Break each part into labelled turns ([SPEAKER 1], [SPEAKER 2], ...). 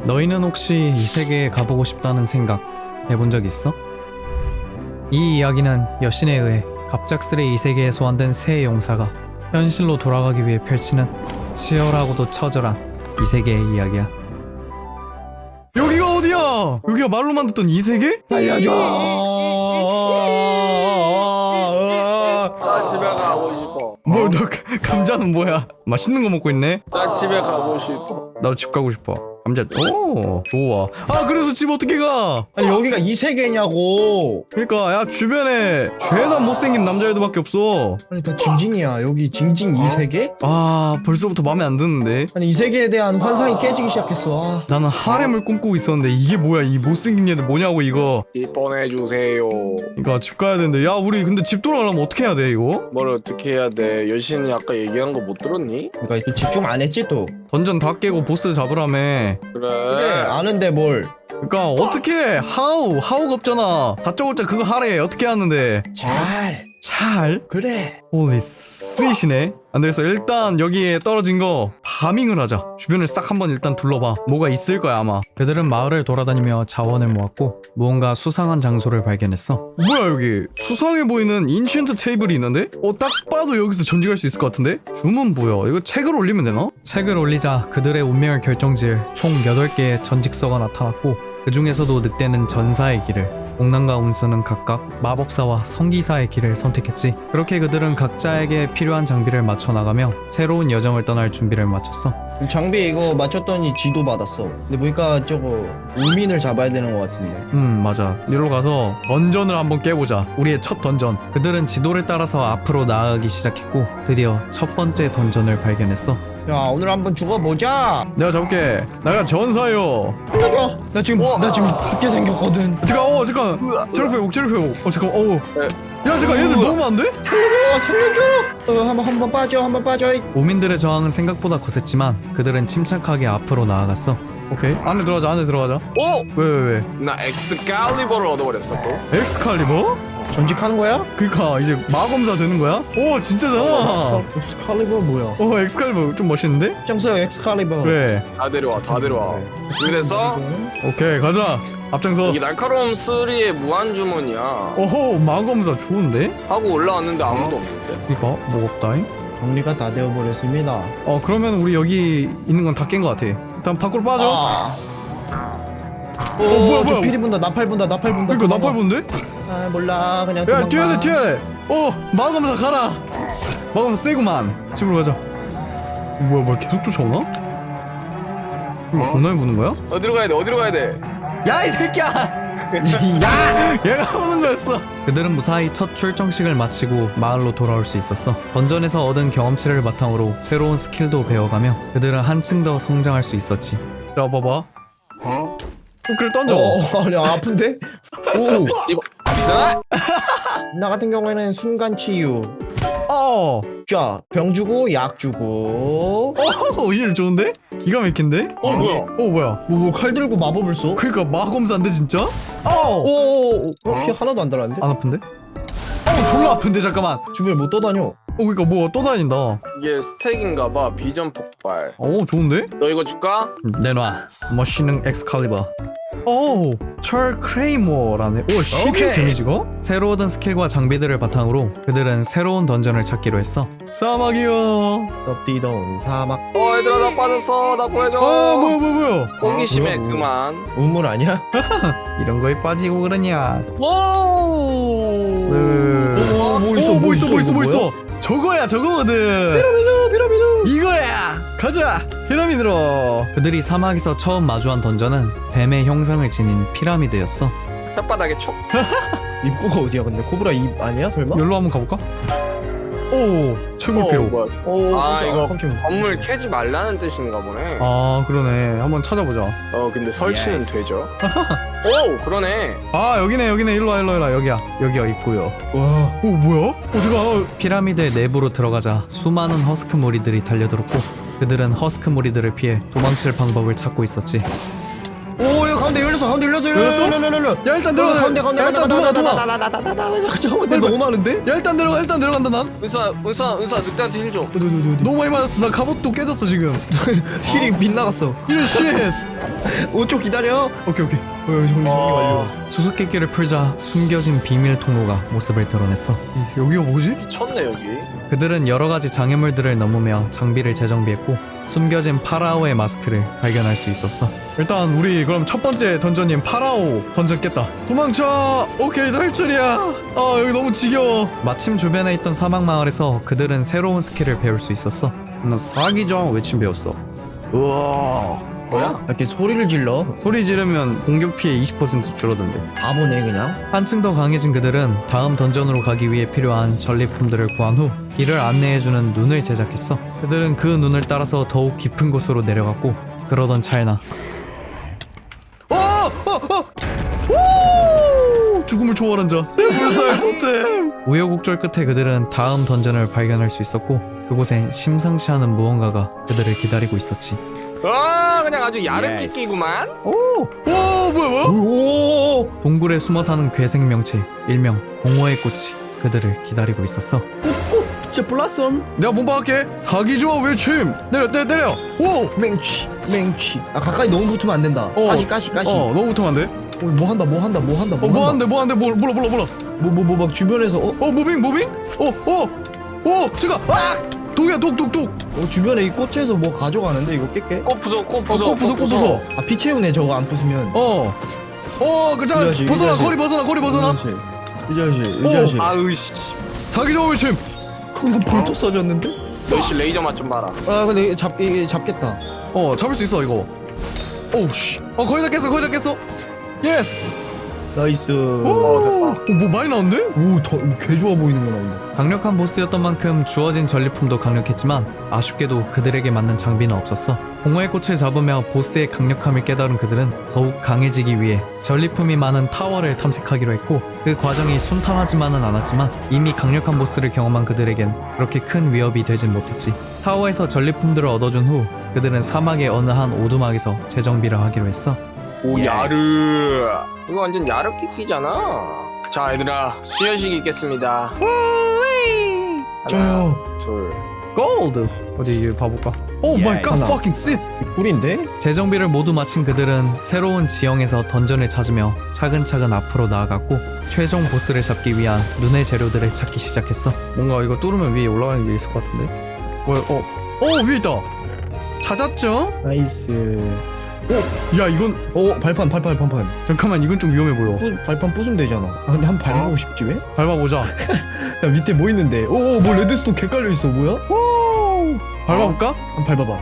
[SPEAKER 1] 너희는 혹시 이 세계에 가보고 싶다는 생각 해본 적 있어? 이 이야기는 여신에 의해 갑작스레 이 세계에 소환된 새 용사가 현실로 돌아가기 위해 펼치는 치열하고도 처절한 이 세계의 이야기야. 여기가 어디야? 여기가 말로만 듣던 이 세계?
[SPEAKER 2] 살려줘.
[SPEAKER 3] 나 집에 가고 싶어.
[SPEAKER 1] 뭐 너 감자는 뭐야? 맛있는 거 먹고 있네?
[SPEAKER 3] 나 집에 가고 싶어.
[SPEAKER 1] 나도 집 가고 싶어. 감자. 오 좋아. 아 그래서 집 어떻게 가?
[SPEAKER 2] 아니 여기가 이 세계냐고.
[SPEAKER 1] 그러니까 야 주변에 죄다 못생긴 남자애들밖에 없어.
[SPEAKER 2] 아니 다 징징이야. 여기 징징 이 세계?
[SPEAKER 1] 아 벌써부터 마음에 안 드는데.
[SPEAKER 2] 아니 이 세계에 대한 환상이 깨지기 시작했어. 아.
[SPEAKER 1] 나는 하렘을 꿈꾸고 있었는데 이게 뭐야? 이 못생긴 애들 뭐냐고 이거.
[SPEAKER 3] 입원해주세요.
[SPEAKER 1] 그러니까 집 가야 되는데 야 우리 근데 집 돌아가려면 어떻게 해야 돼 이거?
[SPEAKER 3] 뭘 어떻게 해야 돼? 여신이 아까 얘기한 거 못 들었니?
[SPEAKER 2] 그러니까 집중 안 했지 또.
[SPEAKER 1] 던전 다 깨고 보스 잡으라며.
[SPEAKER 2] 그래 아는데 뭘.
[SPEAKER 1] 그러니까 어떻게 해? 하우가 없잖아. 다짜고짜 그거 하래. 어떻게 하는데? 잘?
[SPEAKER 2] 그래.
[SPEAKER 1] 홀리 스윗이네. 안되겠어. 일단 여기에 떨어진 거 파밍을 하자. 주변을 싹 한번 일단 둘러봐. 뭐가 있을 거야 아마. 그들은 마을을 돌아다니며 자원을 모았고 무언가 수상한 장소를 발견했어. 뭐야 여기 수상해 보이는 인챈트 테이블이 있는데? 딱 봐도 여기서 전직할 수 있을 것 같은데? 주문 뭐야? 이거 책을 올리면 되나? 책을 올리자 그들의 운명을 결정지을 총 8개의 전직서가 나타났고 그 중에서도 늑대는 전사의 길을, 옥남과 운수는 각각 마법사와 성기사의 길을 선택했지. 그렇게 그들은 각자에게 필요한 장비를 맞춰 나가며 새로운 여정을 떠날 준비를 마쳤어.
[SPEAKER 2] 장비 이거 맞췄더니 지도 받았어. 근데 보니까 저거 우민을 잡아야 되는 것 같은데.
[SPEAKER 1] 맞아. 이리로 가서 던전을 한번 깨보자. 우리의 첫 던전. 그들은 지도를 따라서 앞으로 나아가기 시작했고 드디어 첫 번째 던전을 발견했어.
[SPEAKER 2] 야 오늘 한번 죽어보자.
[SPEAKER 1] 내가 잡을게. 내가 전사요.
[SPEAKER 2] 살려줘. 나 지금 죽게 생겼거든.
[SPEAKER 1] 잠깐. 체력 회복. 잠깐. 야 잠깐 얘들 너무 안 돼?
[SPEAKER 2] 살려줘. 한번 빠져.
[SPEAKER 1] 오민들의 저항은 생각보다 거셌지만 그들은 침착하게 앞으로 나아갔어. 오케이. 안에 들어가자.
[SPEAKER 3] 오!
[SPEAKER 1] 왜?
[SPEAKER 3] 나 엑스칼리버를 얻어버렸어 또.
[SPEAKER 1] 엑스칼리버?
[SPEAKER 2] 전직하는 거야?
[SPEAKER 1] 그니까 이제 마검사 되는 거야? 오 진짜잖아.
[SPEAKER 2] 엑스칼리버 뭐야?
[SPEAKER 1] 엑스칼리버 좀 멋있는데?
[SPEAKER 2] 짱써요 엑스칼리버.
[SPEAKER 1] 그래.
[SPEAKER 3] 다 데려와. 준비됐어?
[SPEAKER 1] 오케이 가자. 앞장서.
[SPEAKER 3] 이게 날카로움 3의 무한 주문이야.
[SPEAKER 1] 오호 마검사 좋은데?
[SPEAKER 3] 하고 올라왔는데 아무도 없는데.
[SPEAKER 1] 그니까 뭐가 없다잉?
[SPEAKER 2] 정리가 다 되어버렸습니다.
[SPEAKER 1] 그러면 우리 여기 있는 건 다 깬 거 같아. 일단 밖으로 빠져. 뭐야
[SPEAKER 2] 저 피리 분다. 나팔 분다.
[SPEAKER 1] 그니까 나팔 본데?
[SPEAKER 2] 아 몰라 그냥
[SPEAKER 1] 야
[SPEAKER 2] 도망가.
[SPEAKER 1] 뛰어야 돼. 마검사 가라. 마검사 세구만. 집으로 가자. 뭐야 계속 쫓아오나? 이거 겁나게 부는 거야?
[SPEAKER 3] 어디로 가야 돼?
[SPEAKER 1] 야 이 새끼야.
[SPEAKER 2] 야!
[SPEAKER 1] 얘가 오는 거였어. 그들은 무사히 첫 출정식을 마치고 마을로 돌아올 수 있었어. 던전에서 얻은 경험치를 바탕으로 새로운 스킬도 배워가며 그들은 한층 더 성장할 수 있었지. 자 봐봐. 그래 던져.
[SPEAKER 2] 아니 아픈데? 오.
[SPEAKER 3] 이거 이상아?
[SPEAKER 2] 나 같은 경우에는 순간 치유. 자, 병 주고 약 주고.
[SPEAKER 1] 일 좋은데? 기가 막힌데?
[SPEAKER 3] 뭐야?
[SPEAKER 1] 뭐야?
[SPEAKER 2] 칼 들고 마법을 써?
[SPEAKER 1] 그니까 마검사인데 진짜?
[SPEAKER 2] 피 하나도 안 달았는데?
[SPEAKER 1] 안 아픈데? 졸라 아픈데 잠깐만.
[SPEAKER 2] 주변을 못 떠다녀.
[SPEAKER 1] 그니까 뭐 떠다닌다.
[SPEAKER 3] 이게 스택인가봐. 비전 폭발.
[SPEAKER 1] 좋은데?
[SPEAKER 3] 너 이거 줄까?
[SPEAKER 1] 내놔. 머신능 엑스칼리버. 철 크레이머라네.
[SPEAKER 2] 오케이.
[SPEAKER 1] 12 데미지가? 새로 얻은 스킬과 장비들을 바탕으로 그들은 새로운 던전을 찾기로 했어. 사막이요.
[SPEAKER 2] 덥디던 사막.
[SPEAKER 3] 얘들아 나 빠졌어. 나 구해줘.
[SPEAKER 1] 뭐야?
[SPEAKER 3] 호기심에
[SPEAKER 2] 뭐야?
[SPEAKER 3] 그만.
[SPEAKER 2] 우물 아니야?
[SPEAKER 1] 이런 거에 빠지고 그러냐?
[SPEAKER 3] 오!
[SPEAKER 1] 뭐 있어?
[SPEAKER 2] 뭐야?
[SPEAKER 1] 저거야 저거거든.
[SPEAKER 2] 피라미드.
[SPEAKER 1] 이거야. 가자. 피라미드로. 그들이 사막에서 처음 마주한 던전은 뱀의 형상을 지닌 피라미드였어.
[SPEAKER 3] 혓바닥에 촉.
[SPEAKER 2] 입구가 어디야 근데? 코브라 입 아니야 설마?
[SPEAKER 1] 여기로 한번 가볼까? 최고 피로.
[SPEAKER 3] 뭐야?
[SPEAKER 2] 깜짝이야.
[SPEAKER 3] 이거
[SPEAKER 2] 깜짝이야.
[SPEAKER 3] 건물 캐지 말라는 뜻인가 보네.
[SPEAKER 1] 그러네. 한번 찾아보자.
[SPEAKER 3] 근데 설치는 되죠. 오, 그러네.
[SPEAKER 1] 여기네. 일로 와. 여기야 입구요.
[SPEAKER 2] 와.
[SPEAKER 1] 뭐야? 제가 피라미드의 내부로 들어가자 수많은 허스크 무리들이 달려들었고 그들은 허스크 무리들을 피해 도망칠 방법을 찾고 있었지.
[SPEAKER 2] 오 이거 가운데 열렸어.
[SPEAKER 1] 열렸어?
[SPEAKER 2] 열렸어.
[SPEAKER 1] 야 일단 들어가.
[SPEAKER 2] 가운데
[SPEAKER 1] 야 일단 도망가.
[SPEAKER 2] 잠깐만 내 너무 많은데?
[SPEAKER 1] 야 일단 들어간다 난.
[SPEAKER 3] 은사 늑대한테 힐 줘.
[SPEAKER 1] 너무 많이 맞았어. 나 갑옷도 깨졌어 지금.
[SPEAKER 2] 힐이 빗나갔어.
[SPEAKER 1] 이런 쉣.
[SPEAKER 2] 5초 기다려.
[SPEAKER 1] 오케이.
[SPEAKER 2] 정리 완료.
[SPEAKER 1] 수수께끼를 풀자 숨겨진 비밀 통로가 모습을 드러냈어. 여기가 뭐지?
[SPEAKER 3] 미쳤네 여기.
[SPEAKER 1] 그들은 여러 가지 장애물들을 넘으며 장비를 재정비했고 숨겨진 파라오의 마스크를 발견할 수 있었어. 일단 우리 그럼 첫 번째 던전인 파라오 던전 깼다. 도망쳐. 오케이 탈출이야. 아 여기 너무 지겨워. 마침 주변에 있던 사막 마을에서 그들은 새로운 스킬을 배울 수 있었어. 나 사기정 외침 배웠어. 우와.
[SPEAKER 3] 뭐야?
[SPEAKER 2] 이렇게 소리를 질러.
[SPEAKER 1] 소리 지르면 공격 피해 20% 줄어든대.
[SPEAKER 2] 바보네 그냥.
[SPEAKER 1] 한층 더 강해진 그들은 다음 던전으로 가기 위해 필요한 전리품들을 구한 후 길을 안내해주는 눈을 제작했어. 그들은 그 눈을 따라서 더욱 깊은 곳으로 내려갔고 그러던 찰나 죽음을 초월한 자 불살 토템. 우여곡절 끝에 그들은 다음 던전을 발견할 수 있었고 그곳엔 심상치 않은 무언가가 그들을 기다리고 있었지.
[SPEAKER 3] 그냥 아주 야른 끼끼구만.
[SPEAKER 1] 뭐야
[SPEAKER 2] 오.
[SPEAKER 1] 동굴에 숨어 사는 괴생 명체 일명 공허의 꽃이 그들을 기다리고 있었어.
[SPEAKER 2] 진짜 블라썸.
[SPEAKER 1] 내가 몸박할게. 사기 좋아 외침. 때려. 오.
[SPEAKER 2] 맹취. 아 가까이 너무 붙으면 안 된다. 가시.
[SPEAKER 1] 너무 붙으면 안 돼.
[SPEAKER 2] 뭐 한다.
[SPEAKER 1] 뭐 한대. 몰라.
[SPEAKER 2] 막 주변에서
[SPEAKER 1] 무빙. 지가. 독이야 독.
[SPEAKER 2] 주변에 이 꽃에서 뭐 가져가는데 이거 깰게.
[SPEAKER 3] 꽃 부숴.
[SPEAKER 1] 꽃 부숴.
[SPEAKER 2] 아 피 채우네 저거 안 부수면.
[SPEAKER 1] 그자
[SPEAKER 2] 이
[SPEAKER 1] 벗어나.
[SPEAKER 2] 자식.
[SPEAKER 1] 거리 벗어나.
[SPEAKER 2] 이 자식.
[SPEAKER 3] 아으씨.
[SPEAKER 1] 사기 좋아 외침.
[SPEAKER 2] 그럼 불도 써졌는데?
[SPEAKER 3] 너씨 레이저 맛 좀 봐라.
[SPEAKER 2] 아 근데 이게 잡겠다.
[SPEAKER 1] 잡을 수 있어 이거. 오우씨. 거의 다 깼어. 예스.
[SPEAKER 2] 나이스.
[SPEAKER 3] 됐다.
[SPEAKER 1] 뭐 많이 나온대?
[SPEAKER 2] 개 좋아 보이는 거 나온다.
[SPEAKER 1] 강력한 보스였던 만큼 주어진 전리품도 강력했지만 아쉽게도 그들에게 맞는 장비는 없었어. 공허의 꽃을 잡으며 보스의 강력함을 깨달은 그들은 더욱 강해지기 위해 전리품이 많은 타워를 탐색하기로 했고 그 과정이 순탄하지만은 않았지만 이미 강력한 보스를 경험한 그들에겐 그렇게 큰 위협이 되진 못했지. 타워에서 전리품들을 얻어준 후 그들은 사막의 어느 한 오두막에서 재정비를 하기로 했어.
[SPEAKER 3] 오 야르. 이거 완전 야르 끼끼잖아. 자 얘들아 수혈식 있겠습니다. 하나 둘.
[SPEAKER 1] 골드. 어디 이게 봐볼까? 오 마이 갓
[SPEAKER 2] 하나.
[SPEAKER 1] fucking shit.
[SPEAKER 2] 꿀인데?
[SPEAKER 1] 재정비를 모두 마친 그들은 새로운 지형에서 던전을 찾으며 차근차근 앞으로 나아갔고 최종 보스를 잡기 위한 눈의 재료들을 찾기 시작했어. 뭔가 이거 뚫으면 위에 올라가는 게 있을 것 같은데? 뭐야? 위에 있다. 찾았죠?
[SPEAKER 2] 나이스.
[SPEAKER 1] 야 이건
[SPEAKER 2] 발판.
[SPEAKER 1] 잠깐만 이건 좀 위험해 보여.
[SPEAKER 2] 발판 부수면 되잖아. 근데 한번 밟아보고 싶지 왜?
[SPEAKER 1] 밟아보자.
[SPEAKER 2] 야 밑에 뭐 있는데? 뭐 레드스톤 개 깔려 있어 뭐야?
[SPEAKER 1] 밟아볼까?
[SPEAKER 2] 한번 밟아봐.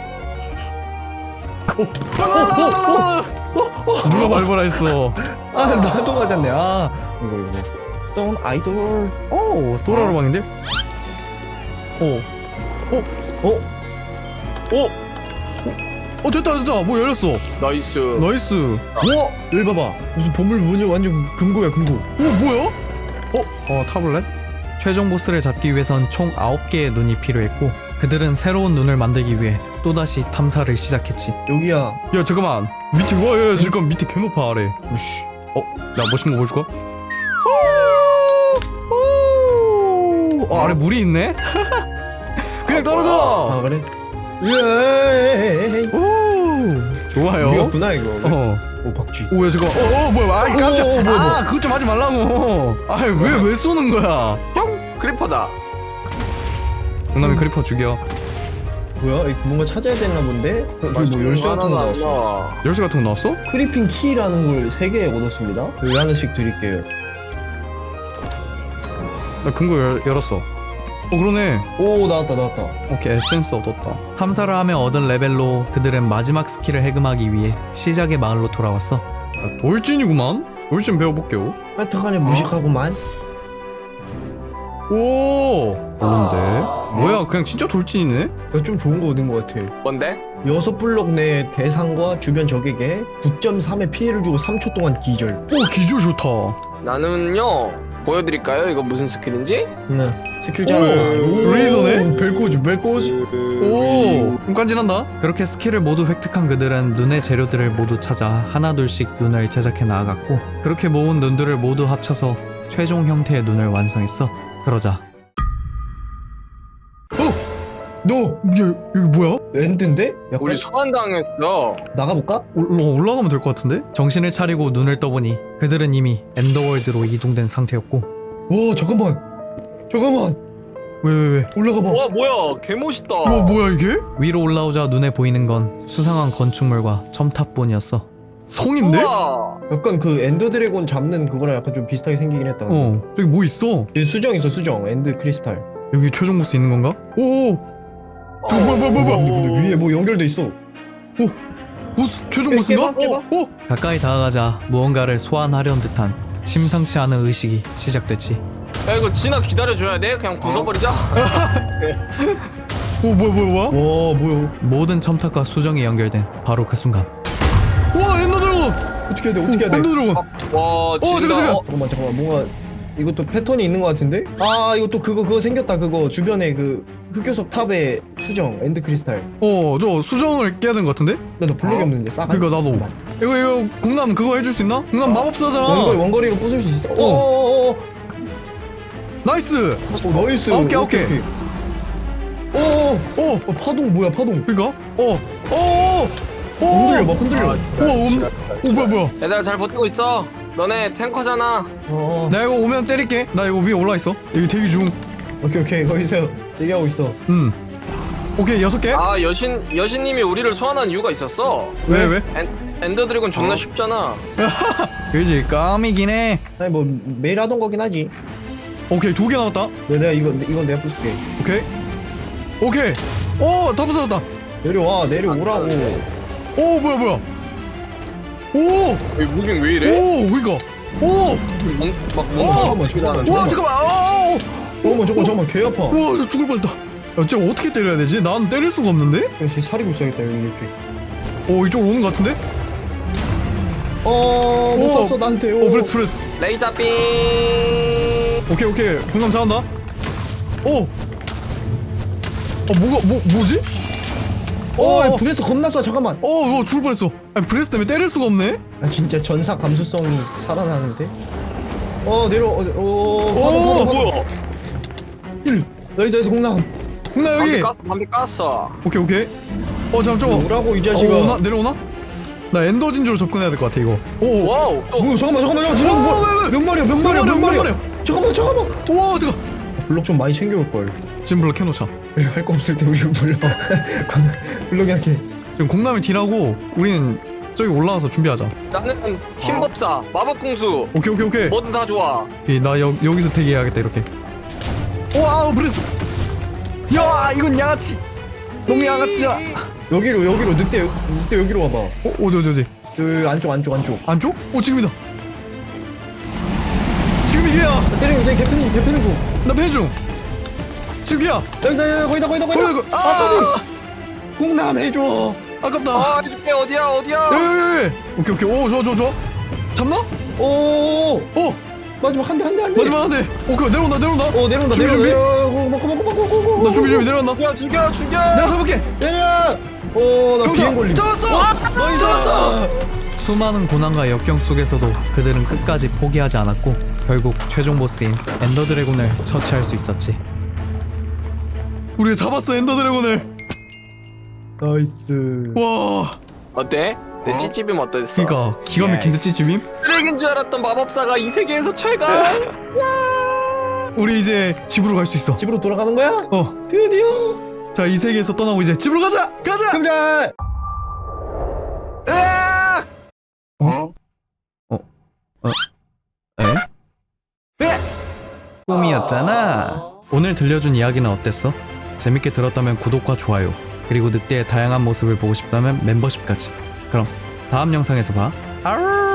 [SPEAKER 1] 누가 밟으라 했어.
[SPEAKER 2] 나도 맞았네. 이거. 돈 아이돌.
[SPEAKER 1] 도라로 방인데? 됐다. 뭐 열렸어.
[SPEAKER 3] 나이스.
[SPEAKER 2] 우와! 여기 봐봐. 무슨 보물 문이 완전 금고야 금고.
[SPEAKER 1] 뭐야? 타블렛? 최종 보스를 잡기 위해선 총 9개의 눈이 필요했고 그들은 새로운 눈을 만들기 위해 또다시 탐사를 시작했지.
[SPEAKER 2] 여기야.
[SPEAKER 1] 야 잠깐만 밑에 야 잠깐 밑에 개 높아 아래. 나 멋진 거 보여줄까? 아래 물이 있네? 그냥 떨어져.
[SPEAKER 2] 그래? 예.
[SPEAKER 1] 좋아요.
[SPEAKER 2] 이거구나 이거. 박쥐.
[SPEAKER 1] 야 잠깐. 뭐야? 아이 깜짝.
[SPEAKER 2] 뭐야.
[SPEAKER 1] 그것 좀 하지 말라고. 왜 쏘는 거야?
[SPEAKER 3] 크리퍼다.
[SPEAKER 1] 동남이 크리퍼 죽여.
[SPEAKER 2] 뭐야? 뭔가 찾아야 되나 본데? 뭐 열쇠 같은 거 나왔어.
[SPEAKER 1] 열쇠 같은 거 나왔어?
[SPEAKER 2] 크리핑 키라는 걸 3개 얻었습니다. 여기 하나씩 드릴게요.
[SPEAKER 1] 나 금고 열었어. 그러네.
[SPEAKER 2] 나왔다.
[SPEAKER 1] 오케이 에센스 얻었다. 탐사를 하며 얻은 레벨로 그들은 마지막 스킬을 해금하기 위해 시작의 마을로 돌아왔어. 돌진이구만. 돌진 배워볼게요.
[SPEAKER 2] 하여튼간에 무식하구만.
[SPEAKER 1] 별론데. 뭐야 그냥 진짜 돌진이네.
[SPEAKER 2] 좀 좋은 거 얻은 거 같아.
[SPEAKER 3] 뭔데?
[SPEAKER 2] 6블럭 내 대상과 주변 적에게 9.3의 피해를 주고 3초 동안 기절.
[SPEAKER 1] 기절 좋다.
[SPEAKER 3] 나는요 보여드릴까요? 이거 무슨 스킬인지?
[SPEAKER 2] 네. 스킬 잘.
[SPEAKER 1] 오, 레이저네?
[SPEAKER 2] 벨코즈.
[SPEAKER 1] 오, 깐진한다. 그렇게 스킬을 모두 획득한 그들은 눈의 재료들을 모두 찾아 하나둘씩 눈을 제작해 나아갔고, 그렇게 모은 눈들을 모두 합쳐서 최종 형태의 눈을 완성했어. 그러자
[SPEAKER 2] 너
[SPEAKER 1] 여기 뭐야?
[SPEAKER 2] 엔드인데? 약간
[SPEAKER 3] 우리 소환당했어.
[SPEAKER 2] 나가볼까?
[SPEAKER 1] 올라가면 될 것 같은데? 정신을 차리고 눈을 떠보니 그들은 이미 엔더월드로 이동된 상태였고.
[SPEAKER 2] 와 잠깐만.
[SPEAKER 1] 왜?
[SPEAKER 2] 올라가봐.
[SPEAKER 3] 와 뭐야 개멋있다.
[SPEAKER 1] 뭐야 이게? 위로 올라오자 눈에 보이는 건 수상한 건축물과 첨탑뿐이었어. 성인데?
[SPEAKER 3] 우와.
[SPEAKER 2] 약간 그 엔더 드래곤 잡는 그거랑 약간 좀 비슷하게 생기긴 했다.
[SPEAKER 1] 저기 뭐 있어?
[SPEAKER 2] 여기 수정 있어 수정. 엔드 크리스탈.
[SPEAKER 1] 여기 최종 보스 있는 건가? 오! 저거 뭐야?
[SPEAKER 2] 근데 위에 뭐 연결돼 있어.
[SPEAKER 1] 최종 보스인가?
[SPEAKER 2] 깨봐.
[SPEAKER 1] 가까이 다가가자 무언가를 소환하려는 듯한 심상치 않은 의식이 시작됐지.
[SPEAKER 3] 야 이거 진아 기다려줘야 돼? 그냥 부숴버리자.
[SPEAKER 1] 뭐야?
[SPEAKER 2] 와 뭐야?
[SPEAKER 1] 모든 첨탑과 수정이 연결된 바로 그 순간. 와, 엔더 드래곤!
[SPEAKER 2] 어떻게 해야 돼?
[SPEAKER 1] 엔더 드래곤!
[SPEAKER 3] 와 진아.
[SPEAKER 1] 잠깐.
[SPEAKER 2] 잠깐만 뭔가 이것도 패턴이 있는 것 같은데? 아 이것도 그거 생겼다. 그거 주변에 그 흑요석 탑에 수정 엔드 크리스탈.
[SPEAKER 1] 저 수정을 깨야 되는 것 같은데?
[SPEAKER 2] 나 블록이 없는데 싹.
[SPEAKER 1] 그니까 나도. 이거 공남 그거 해줄 수 있나? 공남 마법사잖아.
[SPEAKER 2] 원거리로 부술 수 있어.
[SPEAKER 1] 나이스.
[SPEAKER 2] 나이스.
[SPEAKER 1] 오케이.
[SPEAKER 2] 파동 뭐야 파동?
[SPEAKER 1] 그니까?
[SPEAKER 2] 흔들려.
[SPEAKER 1] 뭐야?
[SPEAKER 3] 얘들아 잘 버티고 있어. 너네 탱커잖아.
[SPEAKER 1] 나 이거 오면 때릴게. 나 이거 위에 올라 있어. 여기 대기 중.
[SPEAKER 2] 오케이 거기서 얘기하고 있어.
[SPEAKER 1] 오케이 6개.
[SPEAKER 3] 아 여신님이 우리를 소환한 이유가 있었어.
[SPEAKER 1] 왜?
[SPEAKER 3] 엔더 드래곤 존나 쉽잖아.
[SPEAKER 1] 그지 깜이긴 해.
[SPEAKER 2] 아니 뭐 매일 하던 거긴 하지.
[SPEAKER 1] 오케이 2개 남았다.
[SPEAKER 2] 내가 이건 내가 부술게.
[SPEAKER 1] 오케이. 다 부서졌다.
[SPEAKER 2] 내려오라고.
[SPEAKER 1] 뭐야?
[SPEAKER 3] 왜 무빙 왜 이래?
[SPEAKER 1] 그니까.
[SPEAKER 3] 막
[SPEAKER 2] 잠깐만.
[SPEAKER 1] 와 잠깐만.
[SPEAKER 2] 잠깐만 개 아파.
[SPEAKER 1] 저 죽을 뻔했다. 쟤 어떻게 때려야 되지? 난 때릴 수가 없는데?
[SPEAKER 2] 그냥 쟤 사리고 있어야겠다 여기 이렇게.
[SPEAKER 1] 이쪽으로 오는 것 같은데?
[SPEAKER 2] 못 쐈어 나한테.
[SPEAKER 1] 프레스.
[SPEAKER 3] 레이저 빔.
[SPEAKER 1] 오케이. 공감 잘한다. 뭐지?
[SPEAKER 2] 브레스 겁나 쏴. 잠깐만.
[SPEAKER 1] 이거 죽을 뻔했어. 아니, 브레스 때문에 때릴 수가 없네?
[SPEAKER 2] 아 진짜 전사 감수성이 살아나는데. 파동.
[SPEAKER 3] 뭐야?
[SPEAKER 2] 나이스 공남.
[SPEAKER 1] 공나 여기.
[SPEAKER 3] 반비 깠어.
[SPEAKER 1] 오케이. 잠깐 저거.
[SPEAKER 2] 오라고 이 자식아.
[SPEAKER 1] 내려오나? 나 엔더 진주로 접근해야 될 것 같아 이거.
[SPEAKER 3] 와우.
[SPEAKER 2] 뭐야 잠깐만. 몇 마리야. 잠깐만.
[SPEAKER 1] 우와 잠깐.
[SPEAKER 2] 블록 좀 많이 챙겨올 걸.
[SPEAKER 1] 지금 블럭 해놓자.
[SPEAKER 2] 할 거 없을 때 우리 블록이 할게.
[SPEAKER 1] 지금 공남이 딜하고 우리는 저기 올라와서 준비하자.
[SPEAKER 3] 나는 힘법사, 마법궁수.
[SPEAKER 1] 오케이.
[SPEAKER 3] 뭐든 다 좋아.
[SPEAKER 1] 오케이, 나 여기서 대기해야겠다 이렇게. 와우 브레스. 야 이건 양아치. 너무 양아치잖아.
[SPEAKER 2] 여기로 늑대 여기로 와봐.
[SPEAKER 1] 어디?
[SPEAKER 2] 그 안쪽.
[SPEAKER 1] 안쪽? 지금이다. 지금 이게야.
[SPEAKER 2] 때리면 돼. 개패는 중.
[SPEAKER 1] 나 패 중. 지금 이게야.
[SPEAKER 2] 여기다 거기다. 공남 해줘.
[SPEAKER 1] 아깝다.
[SPEAKER 3] 이게 어디야?
[SPEAKER 1] 여기. 오케이. 좋아. 잡나?
[SPEAKER 2] 마지막 한 대.
[SPEAKER 1] 마지막 한 대. 오케이 내려온다.
[SPEAKER 2] 내려온다.
[SPEAKER 1] 준비.
[SPEAKER 2] 고마워.
[SPEAKER 1] 나 준비 내려온다.
[SPEAKER 3] 죽여.
[SPEAKER 1] 내가 잡을게.
[SPEAKER 2] 내려. 나 비행 걸림.
[SPEAKER 1] 잡았어.
[SPEAKER 2] 잡았어.
[SPEAKER 1] 수많은 고난과 역경 속에서도 그들은 끝까지 포기하지 않았고 결국 최종 보스인 엔더 드래곤을 처치할 수 있었지. 우리가 잡았어 엔더 드래곤을.
[SPEAKER 2] 나이스.
[SPEAKER 1] 와.
[SPEAKER 3] 어때? 내 찌찌빔 어땠어?
[SPEAKER 1] 그니까 기가 막힌 듯 찌찌빔.
[SPEAKER 3] 쓰레기인 줄 알았던 마법사가 이 세계에서 최강.
[SPEAKER 1] 우리 이제 집으로 갈 수 있어.
[SPEAKER 2] 집으로 돌아가는 거야? 드디어.
[SPEAKER 1] 자 이 세계에서 떠나고 이제 집으로 가자.
[SPEAKER 2] 금자.
[SPEAKER 1] 으악! 꿈이었잖아. 오늘 들려준 이야기는 어땠어? 재밌게 들었다면 구독과 좋아요, 그리고 늑대의 다양한 모습을 보고 싶다면 멤버십까지. 그럼 다음 영상에서 봐. 아우!